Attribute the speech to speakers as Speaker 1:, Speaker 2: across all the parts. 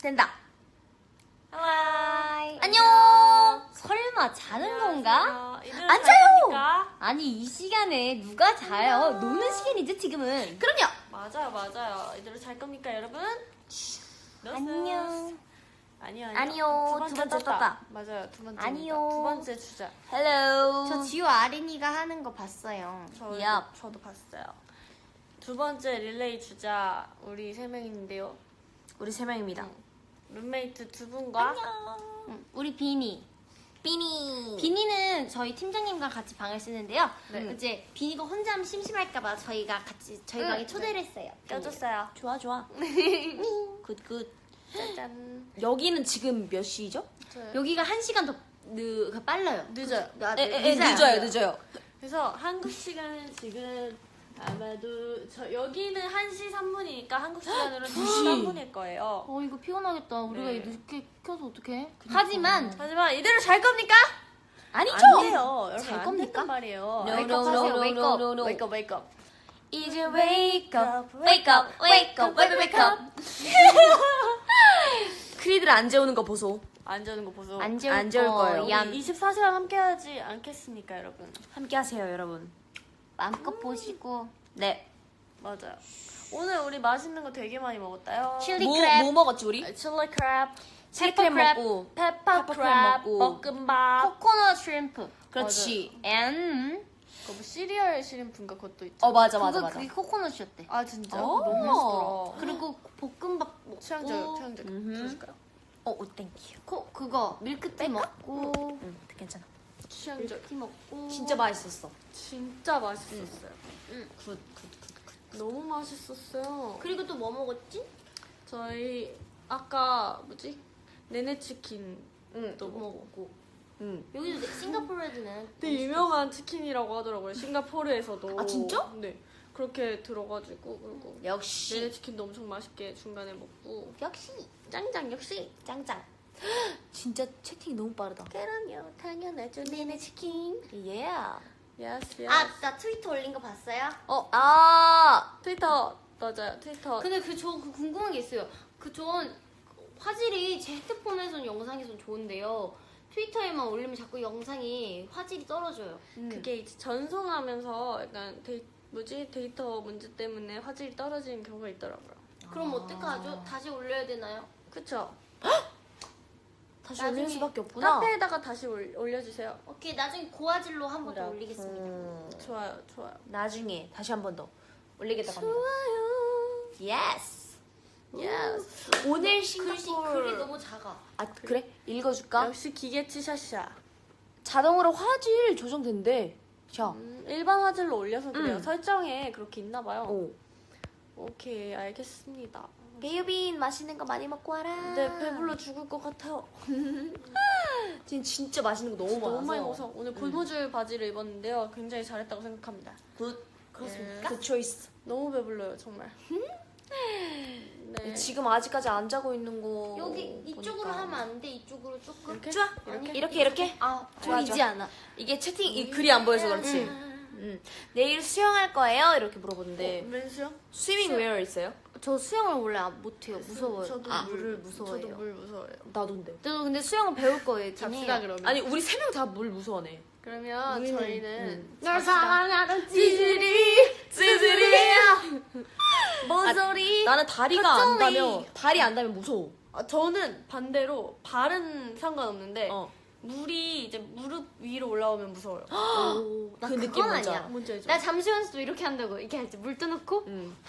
Speaker 1: 된다.
Speaker 2: 하이.
Speaker 1: 안녕. 설마 자는 건가? 안 자요. 아니 이 시간에 누가 자요? 노는 시간이죠 지금은. 그럼요.
Speaker 2: 맞아요. 이대로 잘 겁니까 여러분?
Speaker 1: 안녕.
Speaker 2: 아니요.
Speaker 1: 두 번째 떴다.
Speaker 2: 맞아요. 두 번째.
Speaker 1: 아니요.
Speaker 2: 두 번째 주자.
Speaker 1: 헬로.
Speaker 3: 저 지우 아린이가 하는 거 봤어요.
Speaker 2: 저도 봤어요. 두 번째 릴레이 주자 우리 세 명인데요.
Speaker 1: 우리 세 명입니다.
Speaker 2: 룸메이트 두 분과
Speaker 3: 우리 비니. 비니는 저희 팀장님과 같이 방을 쓰는데요.
Speaker 2: 네.
Speaker 3: 이제 비니가 혼자 하면 심심할까봐 저희가 같이 저희 방에 초대를 했어요.
Speaker 2: 껴줬어요.
Speaker 1: 좋아. 굿.
Speaker 2: 짜잔.
Speaker 1: 여기는 지금 몇 시죠?
Speaker 3: 여기가 1시간 더 빨라요.
Speaker 2: 늦어요.
Speaker 1: 늦어요.
Speaker 2: 그래서 한국 시간은 지금 아마도 여기는 1시 3분이니까 한국 시간으로 2시 3분일 거예요.
Speaker 3: 이거 피곤하겠다. 우리가
Speaker 2: 네.
Speaker 3: 늦게 켜서 어떡해? 하지만
Speaker 2: 이대로 잘 겁니까?
Speaker 1: 아니죠?
Speaker 2: 안 돼요. 여러분
Speaker 3: 잘
Speaker 2: 안
Speaker 3: 겁니까?
Speaker 2: 된단 말이에요.
Speaker 1: No,
Speaker 3: wake
Speaker 1: no,
Speaker 3: up
Speaker 1: no,
Speaker 3: 하세요.
Speaker 1: no,
Speaker 3: wake
Speaker 1: no,
Speaker 3: up.
Speaker 1: no, no.
Speaker 2: Wake up.
Speaker 1: Easy wake up. 크리들 안 재우는 거 보소.
Speaker 2: 안 자는 거 보소.
Speaker 3: 안 재울
Speaker 1: 안 재울 거예요.
Speaker 3: 얌.
Speaker 2: 24시간 함께 하지 않겠습니까, 여러분?
Speaker 1: 함께 하세요, 여러분.
Speaker 3: 마음껏 보시고.
Speaker 1: 네.
Speaker 2: 맞아요. 오늘 우리 맛있는 거 되게 많이 먹었다요.
Speaker 3: 칠리 크랩.
Speaker 1: 뭐 먹었지 우리?
Speaker 2: 칠리 크랩,
Speaker 1: 칠리크랩 먹고.
Speaker 2: 페퍼
Speaker 1: 크랩
Speaker 2: 크랩,
Speaker 1: 먹고.
Speaker 2: 볶음밥.
Speaker 3: 코코넛 슈림프.
Speaker 1: 그렇지.
Speaker 3: and
Speaker 2: 그거 뭐 시리얼 시림프인가 그것도 있죠.
Speaker 1: 맞아.
Speaker 3: 그게 코코넛이었대.
Speaker 2: 아 진짜?
Speaker 1: 오.
Speaker 2: 너무 맛있더라.
Speaker 3: 그리고 볶음밥 먹고
Speaker 2: 취향적
Speaker 1: 음흠.
Speaker 2: 들어줄까요?
Speaker 1: 땡큐.
Speaker 3: 그거 밀크티 먹고
Speaker 1: 괜찮아.
Speaker 2: 취향적.
Speaker 3: 밀크티 먹고
Speaker 1: 진짜 맛있었어.
Speaker 2: 진짜 맛있었어요.
Speaker 1: 굿.
Speaker 2: 너무 맛있었어요.
Speaker 3: 그리고 또 뭐 먹었지?
Speaker 2: 저희 아까 뭐지? 네네치킨도 먹고.
Speaker 3: 여기도 싱가포르에는
Speaker 2: 되게 유명한 치킨이라고 하더라고요. 싱가포르에서도.
Speaker 1: 아, 진짜?
Speaker 2: 네. 그렇게 들어가지고 그리고
Speaker 1: 역시.
Speaker 2: 네네치킨도 엄청 맛있게 중간에 먹고.
Speaker 3: 역시
Speaker 2: 짱짱 역시.
Speaker 3: 짱짱.
Speaker 1: 진짜 채팅이 너무 빠르다.
Speaker 2: 그럼요. 당연하죠. 네네치킨.
Speaker 1: 예.
Speaker 2: 예스 예스.
Speaker 3: 나 트위터 올린 거 봤어요?
Speaker 2: 트위터 맞아요. 트위터.
Speaker 3: 근데 저 궁금한 게 있어요. 전 화질이 제 핸드폰에서는 영상에선 좋은데요. 트위터에만 올리면 자꾸 영상이 화질이 떨어져요.
Speaker 2: 그게 이제 전송하면서 약간 데이터 문제 때문에 화질이 떨어지는 경우가 있더라고요.
Speaker 3: 그럼 어떡하죠? 다시 올려야 되나요?
Speaker 2: 그쵸?
Speaker 1: 다시
Speaker 3: 나중에
Speaker 1: 올릴 수밖에 없구나.
Speaker 2: 카페에다가 다시 올려주세요.
Speaker 3: 오케이, 나중에 고화질로 한 번 더 올리겠습니다.
Speaker 2: 좋아요.
Speaker 1: 나중에 다시 한 번 더 올리겠다고 합니다.
Speaker 2: 좋아요.
Speaker 1: 예스.
Speaker 2: 예스.
Speaker 1: 오늘
Speaker 3: 글이
Speaker 1: 싱가포르.
Speaker 3: 너무 작아.
Speaker 1: 그래? 읽어줄까?
Speaker 2: 역시 기계치 샤샤.
Speaker 1: 자동으로 화질 조정된대. 자.
Speaker 2: 일반 화질로 올려서 그래요. 설정에 그렇게 있나봐요.
Speaker 1: 오.
Speaker 2: 오케이, 알겠습니다.
Speaker 1: 베이빈 맛있는 거 많이 먹고 와라.
Speaker 2: 근데 배불러 죽을 것 같아요.
Speaker 1: 지금 진짜 맛있는 거 너무 많아서.
Speaker 2: 너무 많이 먹어서 오늘 고무줄 바지를 입었는데요. 굉장히 잘했다고 생각합니다.
Speaker 1: 굿.
Speaker 2: 그렇습니까?
Speaker 1: 굿 초이스.
Speaker 2: 너무 배불러요, 정말. 네.
Speaker 1: 지금 아직까지 안 자고 있는 거.
Speaker 3: 여기 이쪽으로
Speaker 1: 보니까.
Speaker 3: 하면 안 돼? 이쪽으로 조금?
Speaker 2: 이렇게?
Speaker 1: 좋아. 이렇게.
Speaker 3: 좋아.
Speaker 1: 보이지 않아. 이게 채팅 이 글이 안 보여서 그렇지. 내일 수영할 거예요? 이렇게 물어보는데
Speaker 2: 렌수요?
Speaker 1: 스위밍 웨어 있어요?
Speaker 3: 저 수영을 원래 못해요. 무서워요.
Speaker 2: 저도
Speaker 3: 물을 무서워해요.
Speaker 2: 저도 물 무서워요.
Speaker 1: 나도인데.
Speaker 3: 저도 근데 수영을 배울 거예요.
Speaker 2: 잡시다 그러면.
Speaker 1: 아니 우리 세 명 다 물 무서워하네.
Speaker 2: 그러면 저희는
Speaker 3: 널 사랑하는
Speaker 1: 찌질이야.
Speaker 3: 뭔 소리?
Speaker 1: 나는 다리가 안 닿으면 발이 안 닿으면 무서워.
Speaker 2: 저는 반대로 발은 상관없는데
Speaker 1: 어.
Speaker 2: 물이 이제 무릎 위로 올라오면 무서워요.
Speaker 3: 나
Speaker 1: 그 느낌
Speaker 3: 그건
Speaker 1: 뭔지
Speaker 3: 아니야.
Speaker 1: 알아.
Speaker 2: 뭔지 알죠?
Speaker 3: 나 잠수 연습도 이렇게 한다고. 이렇게 할지 물 떠놓고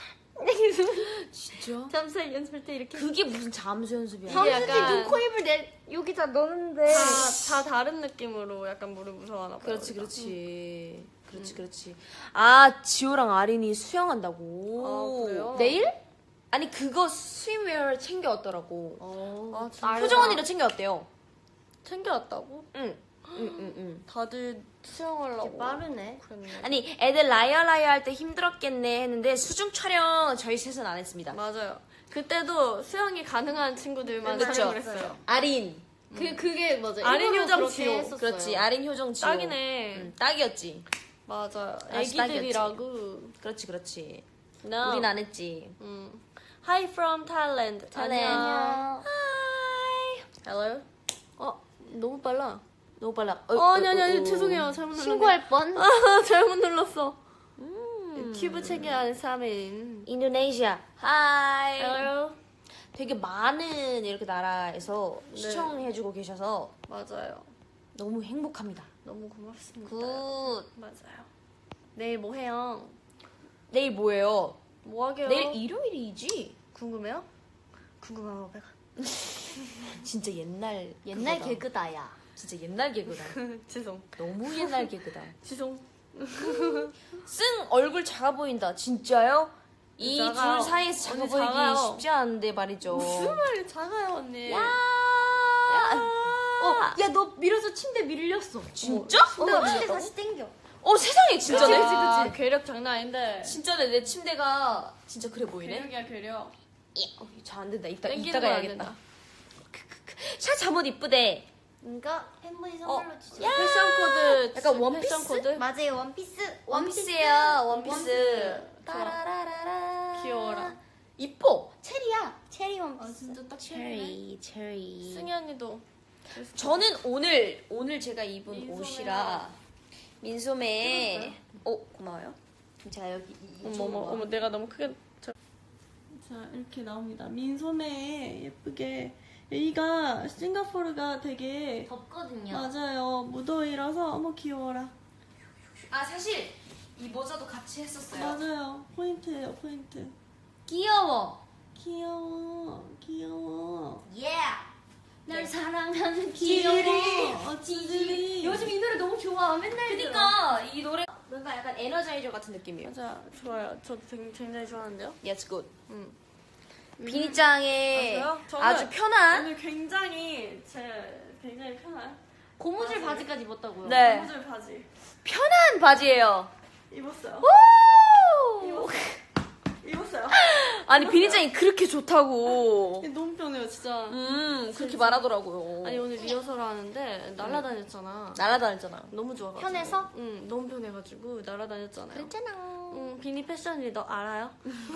Speaker 1: 진짜?
Speaker 3: 잠수 연습할 때 이렇게
Speaker 1: 그게 무슨 잠수 연습이야?
Speaker 2: 이게
Speaker 3: 잠수지
Speaker 2: 약간-
Speaker 3: 눈, 코, 입을 여기다 넣는데
Speaker 2: 다 다른 느낌으로 약간 물을 무서워하나 봐요.
Speaker 1: 그렇지. 아 지호랑 아린이 수영한다고.
Speaker 2: 아, 그래요?
Speaker 1: 내일? 아니 그거 스윙웨어 챙겨왔더라고.
Speaker 2: 아, 진짜?
Speaker 1: 효정 언니도 챙겨왔대요.
Speaker 2: 챙겨왔다고?
Speaker 1: 응.
Speaker 2: 다들 수영하려고.
Speaker 3: 빠르네.
Speaker 2: 그랬네.
Speaker 1: 아니 애들 라이어 할 때 힘들었겠네 했는데 수중 촬영 저희 셋은 안 했습니다.
Speaker 2: 맞아요. 그때도 수영이 가능한 친구들만
Speaker 1: 그쵸.
Speaker 2: 촬영을 했어요.
Speaker 1: 아린.
Speaker 3: 그게 맞아.
Speaker 2: 아린
Speaker 3: 일부러
Speaker 2: 요정
Speaker 3: 그렇게
Speaker 2: 지호.
Speaker 3: 했었어요.
Speaker 1: 그렇지. 아린 효정 지호.
Speaker 2: 딱이네.
Speaker 1: 딱이었지.
Speaker 2: 맞아요.
Speaker 1: 아주
Speaker 2: 애기들이라고.
Speaker 1: 그렇지.
Speaker 2: No.
Speaker 1: 우린 안 했지.
Speaker 2: Hi from Thailand.
Speaker 1: Thailand.
Speaker 2: 안녕.
Speaker 3: 안녕.
Speaker 2: 빨라.
Speaker 1: 너무 빨라.
Speaker 2: 아니 죄송해요. 잘못 눌렀네.
Speaker 3: 신고할 뻔.
Speaker 2: 잘못 눌렀어. 튜브 체계하는 사람인.
Speaker 1: 인도네시아. 하이.
Speaker 2: Hello.
Speaker 1: 되게 많은 이렇게 나라에서
Speaker 2: 네.
Speaker 1: 시청해주고 계셔서
Speaker 2: 맞아요.
Speaker 1: 너무 행복합니다.
Speaker 2: 너무 고맙습니다.
Speaker 1: 굿.
Speaker 2: 맞아요. 내일 뭐 해요?
Speaker 1: 내일 뭐예요?
Speaker 2: 뭐 하게요?
Speaker 1: 내일 일요일이지?
Speaker 2: 궁금해요? 궁금하고 배가.
Speaker 1: 진짜 옛날 그거다.
Speaker 3: 개그다 야.
Speaker 1: 진짜 옛날 개그다.
Speaker 2: 죄송.
Speaker 1: 너무 옛날 개그다.
Speaker 2: 죄송.
Speaker 1: 승 얼굴 작아 보인다. 진짜요? 이
Speaker 2: 작아요.
Speaker 1: 둘 사이에서 작아
Speaker 2: 언니
Speaker 1: 보이기
Speaker 2: 작아요.
Speaker 1: 쉽지 않은데 말이죠.
Speaker 2: 무슨 말이 작아요 언니.
Speaker 1: 야.
Speaker 3: 야 너 밀어서 침대 밀렸어.
Speaker 1: 진짜?
Speaker 3: 침대 다시 땡겨.
Speaker 1: 세상에 진짜네.
Speaker 2: 아, 괴력 장난 아닌데.
Speaker 1: 진짜네. 내 침대가 진짜 그래 보이네.
Speaker 2: 괴력이야 괴력.
Speaker 1: 잘 안 된다. 이따가
Speaker 2: 땡기는 건 안
Speaker 1: 해야겠다.
Speaker 2: 된다.
Speaker 1: 샤 잠옷 이쁘대.
Speaker 3: 그러니까 팬분이 선물로 주셨어.
Speaker 2: 패션 코드.
Speaker 1: 약간 원피스?
Speaker 2: 패션 코드.
Speaker 3: 맞아요 원피스.
Speaker 1: 원피스야. 원피스.
Speaker 2: 원피스.
Speaker 1: 따라라라라.
Speaker 2: 귀여워라.
Speaker 1: 이뻐.
Speaker 3: 체리야. 체리 원피스.
Speaker 2: 진짜 딱
Speaker 1: 체리.
Speaker 2: 승희 언니도.
Speaker 1: 저는 오늘 제가 입은
Speaker 2: 민소매랑.
Speaker 1: 옷이라 민소매. 고마워요. 제가 여기
Speaker 2: 어머 내가 너무 크게. 자 이렇게 나옵니다. 민소매 예쁘게. 여기가 싱가포르가 되게
Speaker 3: 덥거든요.
Speaker 2: 맞아요. 무더위라서 어머 귀여워라.
Speaker 1: 사실 이 모자도 같이 했었어요.
Speaker 2: 맞아요. 포인트예요 포인트.
Speaker 3: 귀여워.
Speaker 2: 귀여워.
Speaker 3: 예. 널 사랑하는
Speaker 2: 귀여워.
Speaker 3: 귀여워.
Speaker 2: 찌질이.
Speaker 3: 요즘 이 노래 너무 좋아. 맨날
Speaker 1: 그러니까 이 노래 뭔가 약간 에너자이저 같은 느낌이에요.
Speaker 2: 맞아 좋아요. 저도 굉장히 좋아하는데요.
Speaker 1: Yes, good.
Speaker 2: 음.
Speaker 1: 비니짱의
Speaker 2: 맞아요? 저는
Speaker 1: 아주 편한
Speaker 2: 오늘 굉장히 편한
Speaker 3: 고무줄
Speaker 2: 맞아요.
Speaker 3: 바지까지 입었다고요.
Speaker 1: 네.
Speaker 2: 고무줄 바지
Speaker 1: 편한 바지예요.
Speaker 2: 입었어요.
Speaker 1: 오!
Speaker 2: 입었어요.
Speaker 1: 아니 비니짱이 그렇게 좋다고.
Speaker 2: 너무 편해요 진짜.
Speaker 1: 그렇게 말하더라고요.
Speaker 2: 아니 오늘 리허설 하는데 날라다녔잖아.
Speaker 1: 날아다녔잖아.
Speaker 2: 너무 좋아가지고.
Speaker 3: 편해서?
Speaker 2: 응 너무 편해가지고 날라다녔잖아요.
Speaker 3: 그랬잖아.
Speaker 2: 응 비니 패션 리더 알아요?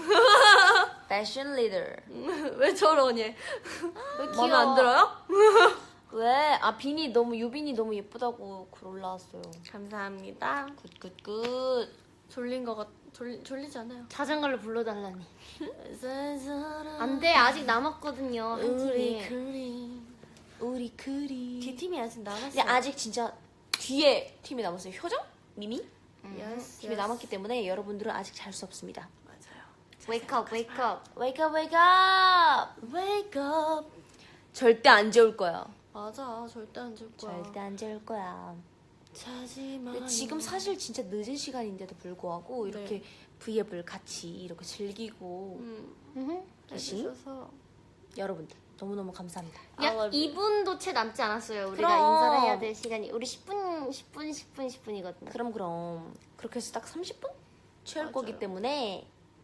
Speaker 1: 패션 리더.
Speaker 2: 왜 저러니?
Speaker 3: 왜
Speaker 2: 마음에 안 들어요?
Speaker 1: 왜? 비니 너무 유빈이 너무 예쁘다고 글 올라왔어요.
Speaker 2: 감사합니다.
Speaker 1: 굿굿굿.
Speaker 2: 졸린 거 졸리지 않아요?
Speaker 3: 자장가를 불러달라니.
Speaker 2: 안
Speaker 3: 안돼 아직 남았거든요. 한
Speaker 2: 우리
Speaker 3: 팀이.
Speaker 1: 우리 그리.
Speaker 2: D팀이 아직 남았어요.
Speaker 1: 근데 아직 진짜 뒤에 팀이 남았어요. 효정? 미미?
Speaker 2: yes,
Speaker 1: 팀이 남았기 때문에 여러분들은 아직 잘 수 없습니다.
Speaker 2: 맞아요.
Speaker 3: Wake up, wake up.
Speaker 1: Wake up, wake up.
Speaker 2: Wake up.
Speaker 1: 절대 안 재울 거야.
Speaker 2: 맞아 절대 안 줄 거야.
Speaker 1: 절대 안 재울 거야.
Speaker 2: 자지마.
Speaker 1: 근데 지금 사실 진짜 늦은 시간인데도 불구하고 이렇게 V앱을 같이 이렇게 즐기고 계신
Speaker 2: 해주셔서
Speaker 1: 여러분들 너무너무 감사합니다.
Speaker 2: I
Speaker 3: 약
Speaker 2: love you.
Speaker 3: 2분도 채 남지 않았어요. 우리가
Speaker 1: 그럼.
Speaker 3: 인사를 해야 될 시간이. 우리 10분이거든요.
Speaker 1: 그럼 그렇게 해서 딱 30분 채울
Speaker 2: 맞아요.
Speaker 1: 거기 때문에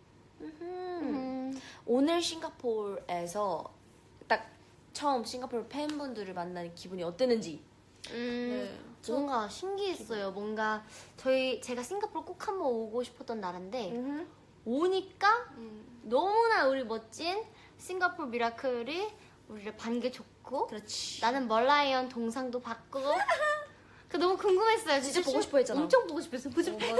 Speaker 1: 오늘 싱가포르에서 딱 처음 싱가포르 팬분들을 만나는 기분이 어땠는지.
Speaker 2: 네.
Speaker 3: 뭔가 신기했어요. 뭔가 제가 싱가포르 꼭 한번 오고 싶었던 나라인데 오니까 너무나 우리 멋진 싱가포르 미라클이 우리를 반겨줬고
Speaker 1: 그렇지.
Speaker 3: 나는 멀라이언 동상도 받고 그 너무 궁금했어요.
Speaker 1: 진짜 보고 싶어 했잖아.
Speaker 3: 엄청 보고 싶었어요. 멀라이언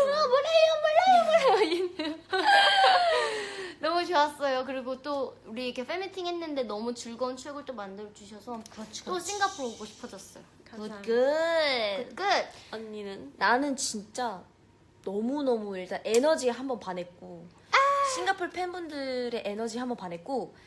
Speaker 3: 너무 좋았어요. 그리고 또 우리 이렇게 팬미팅 했는데 너무 즐거운 추억을 또 만들어 주셔서 또 싱가포르 오고 싶어졌어요.
Speaker 2: 감사합니다.
Speaker 1: 굿굿.
Speaker 3: 끝.
Speaker 2: 언니는
Speaker 1: 나는 진짜 너무너무 일단 에너지에 한번 반했고 싱가포르 팬분들의 에너지에 한번 반했고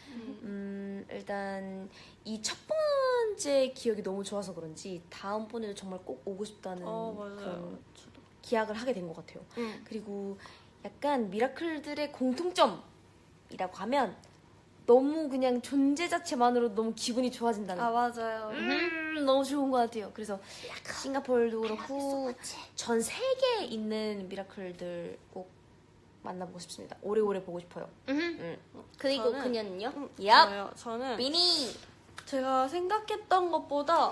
Speaker 1: 일단 이 첫 번째 기억이 너무 좋아서 그런지 다음번에도 정말 꼭 오고 싶다는
Speaker 2: 맞아요.
Speaker 1: 그런 기약을 하게 된 것 같아요.
Speaker 3: 응.
Speaker 1: 그리고 약간 미라클들의 공통점이라고 하면 너무 그냥 존재 자체만으로 너무 기분이 좋아진다는
Speaker 2: 맞아요.
Speaker 1: 너무 좋은 것 같아요. 그래서 싱가포르도 그렇고 전 세계에 있는 미라클들 꼭 만나보고 싶습니다. 오래오래 보고 싶어요.
Speaker 3: 그리고
Speaker 2: 저는-
Speaker 3: 그녀는요?
Speaker 2: 저요. 저는
Speaker 1: 미니!
Speaker 2: 제가 생각했던 것보다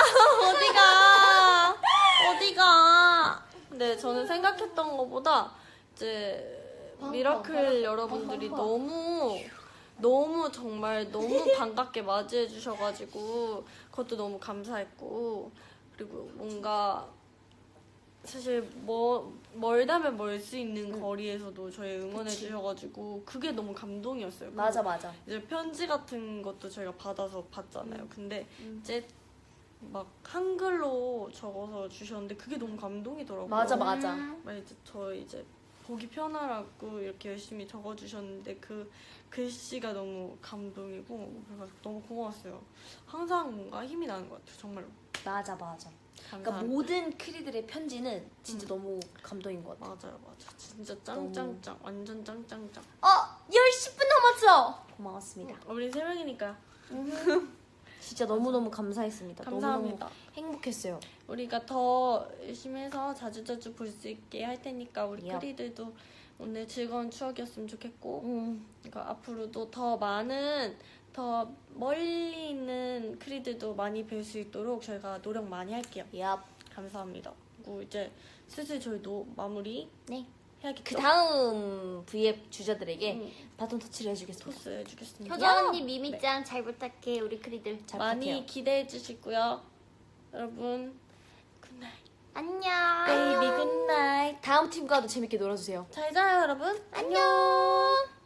Speaker 1: 어디가?
Speaker 2: 네 저는 생각했던 것보다 이제 미라클 여러분들이 너무 너무 정말 너무 반갑게 맞이해 주셔가지고 그것도 너무 감사했고 그리고 뭔가 사실 멀다면 멀 수 있는 거리에서도 저희 응원해 주셔가지고 그게 너무 감동이었어요.
Speaker 1: 맞아 맞아.
Speaker 2: 이제 편지 같은 것도 저희가 받아서 봤잖아요. 근데 이제 막 한글로 적어서 주셨는데 그게 너무 감동이더라고요.
Speaker 1: 맞아 맞아.
Speaker 2: 막 이제 저희 이제 보기 편하라고 이렇게 열심히 적어주셨는데 그 글씨가 너무 감동이고 그래서 너무 고마웠어요. 항상 뭔가 힘이 나는 것 같아요. 정말로.
Speaker 1: 맞아 맞아. 그러니까
Speaker 2: 감사합니다.
Speaker 1: 모든 크리들의 편지는 진짜 너무 감동인 것 같아.
Speaker 2: 맞아요, 맞아. 진짜 짱짱짱, 완전 짱짱짱.
Speaker 3: 10분 남았어.
Speaker 1: 고마웠습니다.
Speaker 2: 우리 3명이니까
Speaker 1: 진짜 너무너무 감사했습니다.
Speaker 2: 감사합니다.
Speaker 1: 너무너무 행복했어요.
Speaker 2: 우리가 더 열심히 해서 자주자주 볼 수 있게 할 테니까 우리
Speaker 1: 야.
Speaker 2: 크리들도 오늘 즐거운 추억이었으면 좋겠고 그러니까 앞으로도 더 많은 더 멀리 있는 크리들도 많이 뵐 수 있도록 저희가 노력 많이 할게요.
Speaker 1: 얍.
Speaker 2: 감사합니다. 그리고 이제 슬슬 저희도 마무리
Speaker 1: 네.
Speaker 2: 해야겠죠?
Speaker 1: 그 다음 V앱 주자들에게
Speaker 2: 응.
Speaker 1: 바톤 터치를 해주겠습니다.
Speaker 2: 토스 해주겠습니다.
Speaker 3: 효정 언니, 미미짱 잘 부탁해. 우리 크리들.
Speaker 1: 잘
Speaker 2: 많이
Speaker 1: 부탁해요.
Speaker 2: 기대해 주시고요. 여러분 굿나잇.
Speaker 3: 안녕.
Speaker 1: 베이비 굿나잇. 다음 팀과도 재밌게 놀아주세요.
Speaker 2: 잘 자요 여러분.
Speaker 3: 안녕.